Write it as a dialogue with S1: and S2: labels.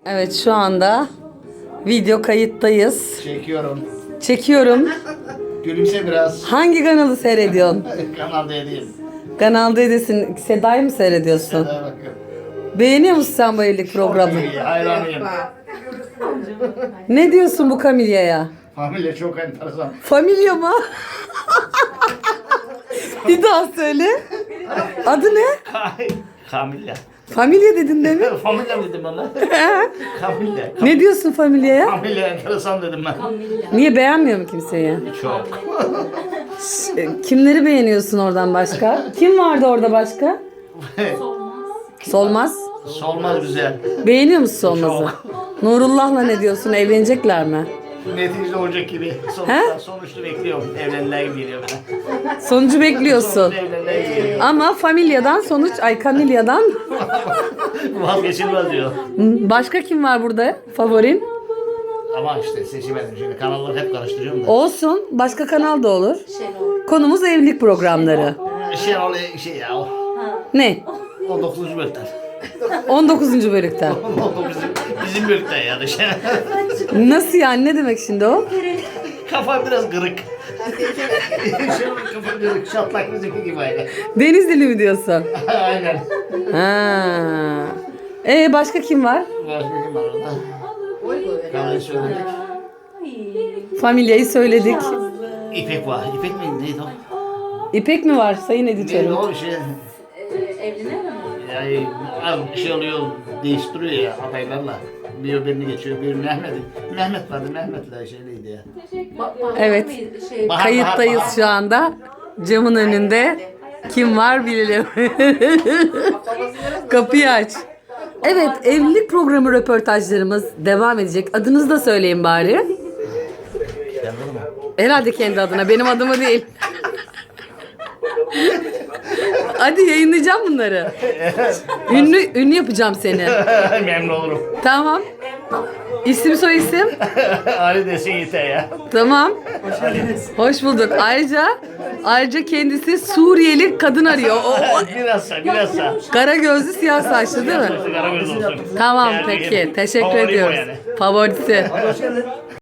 S1: Evet, şu anda video kayıttayız.
S2: Çekiyorum.
S1: Çekiyorum.
S2: Gülümse biraz.
S1: Hangi kanalı seyrediyorsun?
S2: Kanal değil.
S1: Kanal D'desin. Seda'yı mı seyrediyorsun?
S2: Hadi bakıyorum.
S1: Beğeniyor musun sen bu evlilik programı?
S2: İyi, hayranıyım.
S1: Ne diyorsun bu Kamilya'ya?
S2: Familya çok enteresan.
S1: Familya mı? Bir daha söyle. Adı ne?
S2: Kamilya.
S1: Familya dedin değil mi?
S2: Familya mı dedim bana? Kamilya.
S1: Ne diyorsun Familya'ya?
S2: Familya enteresan dedim ben.
S1: Niye, beğenmiyor mu kimseyi?
S2: Çok.
S1: Kimleri beğeniyorsun oradan başka? Kim vardı orada başka? Solmaz.
S2: Solmaz güzel.
S1: Beğeniyor musun Solmaz'ı? Nurullah'la ne diyorsun? Evlenecekler mi?
S2: Neticede olacak gibi. Sonuçta bekliyorum. Evlenirler gibi geliyor bana.
S1: Sonucu bekliyorsun.
S2: Sonuçta evlenirler gibi geliyor.
S1: Ama Familya'dan Kamilya'dan
S2: Vazgeçilmez diyor.
S1: başka kim var burada favorin?
S2: Ama işte seçemedim. Şimdi kanalları hep karıştırıyorum da.
S1: Olsun. Başka kanal da olur. Konumuz evlilik programları.
S2: Şey oluyor şey ya.
S1: Ne?
S2: 19. bölümden.
S1: 19. bölükten.
S2: O bizim bölümden yani. Şey.
S1: Nasıl yani? Ne demek şimdi o?
S2: Kafa biraz kırık. Kafa kırık. Şatlak bizimki gibi aynı.
S1: Denizli mi diyorsun?
S2: Aynen.
S1: Ha. Başka kim var?
S2: Başka kim var orada? Kahveyi söyledik.
S1: Familya'yı söyledik.
S2: İpek var. İpek mi? Neydi o?
S1: İpek mi var sayın
S2: Neydi
S1: editörüm?
S2: o şey?
S3: Evlenir mi?
S2: Yani şey oluyor, değiştiriyor ya adaylarla. Bir birini geçiyor, bir Mehmet vardı, Mehmet'le şeyliydi ya.
S1: Evet.
S2: Bahar,
S1: Kayıttayız
S2: Bahar.
S1: şu anda. Camın önünde. Kim var bilelim. Kapıyı aç. Evet, evlilik programı röportajlarımız devam edecek. Adınızı da söyleyin bari. Herhalde kendi adına, benim adımı değil. Hadi yayınlayacağım bunları. Ünlü yapacağım seni.
S2: Memnun olurum.
S1: Tamam. İsim soy isim.
S2: Ali desin yeter ya.
S1: Tamam. Hoş bulduk. Ayrıca kendisi Suriyeli kadın arıyor.
S2: Bilhassa.
S1: Kara gözlü siyah saçlı değil mi?
S2: Karagöz olsun.
S1: Tamam
S2: Yani
S1: peki. Teşekkür
S2: favorim o
S1: ediyoruz.
S2: yani.
S1: Favorisi.